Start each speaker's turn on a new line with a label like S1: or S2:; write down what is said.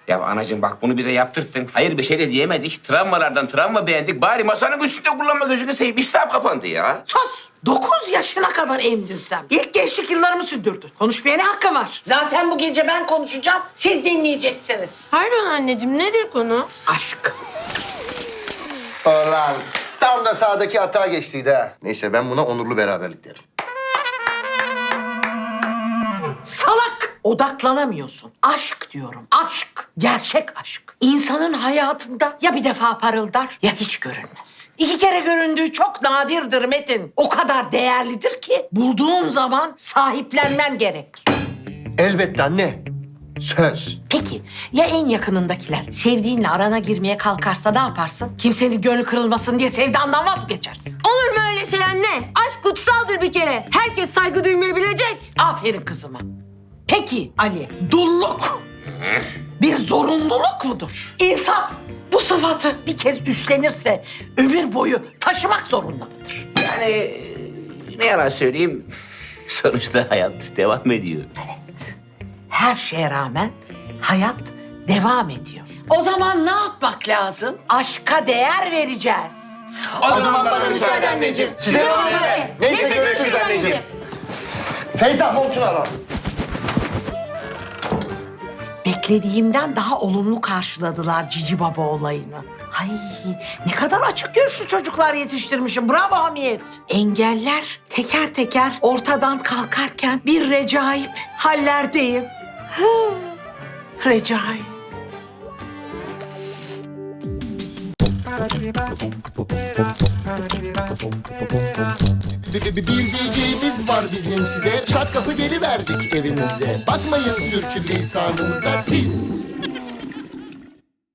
S1: Ya anacığım bak bunu bize yaptırttın. Hayır bir şey de diyemedik. Travmalardan travma beğendik. Bari masanın üstünde kullanma gözünü seveyim. İştah kapandı ya.
S2: Sus! 9 yaşına kadar emdin sen. İlk gençlik yıllarımı sürdürdün. Konuşmaya ne hakkın var? Zaten bu gece ben konuşacağım, siz dinleyeceksiniz.
S3: Pardon anneciğim, nedir konu?
S2: Aşk.
S4: Ulan tam da sağdaki hata geçtiydi ha. Neyse ben buna onurlu beraberlik derim.
S2: Salak! Odaklanamıyorsun. Aşk diyorum, aşk. Gerçek aşk. İnsanın hayatında ya bir defa parıldar ya hiç görünmez. 2 kere göründüğü çok nadirdir Metin. O kadar değerlidir ki bulduğun zaman sahiplenmen gerek.
S4: Elbette anne. Söz.
S2: Peki ya en yakınındakiler sevdiğinle arana girmeye kalkarsa ne yaparsın? Kimsenin gönlü kırılmasın diye sevdandan vazgeçersin.
S3: Olur mu öyle şey anne? Aşk kutsaldır bir kere. Herkes saygı duymayı bilecek.
S2: Aferin kızıma. Peki Ali, dulluk bir zorunluluk mudur? İnsan bu sıfatı bir kez üstlenirse ömür boyu taşımak zorunda mıdır?
S1: Yani ne yalan söyleyeyim. Sonuçta hayat devam ediyor.
S2: Her şeye rağmen hayat devam ediyor. O zaman ne yapmak lazım? Aşka değer vereceğiz.
S4: O zaman bana müsaade anneciğim. Size ne oluyor? Neyse görüşürüz anneciğim. Feyza montunu al.
S2: Beklediğimden daha olumlu karşıladılar Cici Baba olayını. Ay ne kadar açık görüşlü çocuklar yetiştirmişim. Bravo Hamiyet. Engeller teker teker ortadan kalkarken bir recaip hallerdeyim. Recai.
S4: Bir diyeceğimiz var bizim size. Çat kapı geliverdik evinize. Bakmayın sürçülisanımıza siz.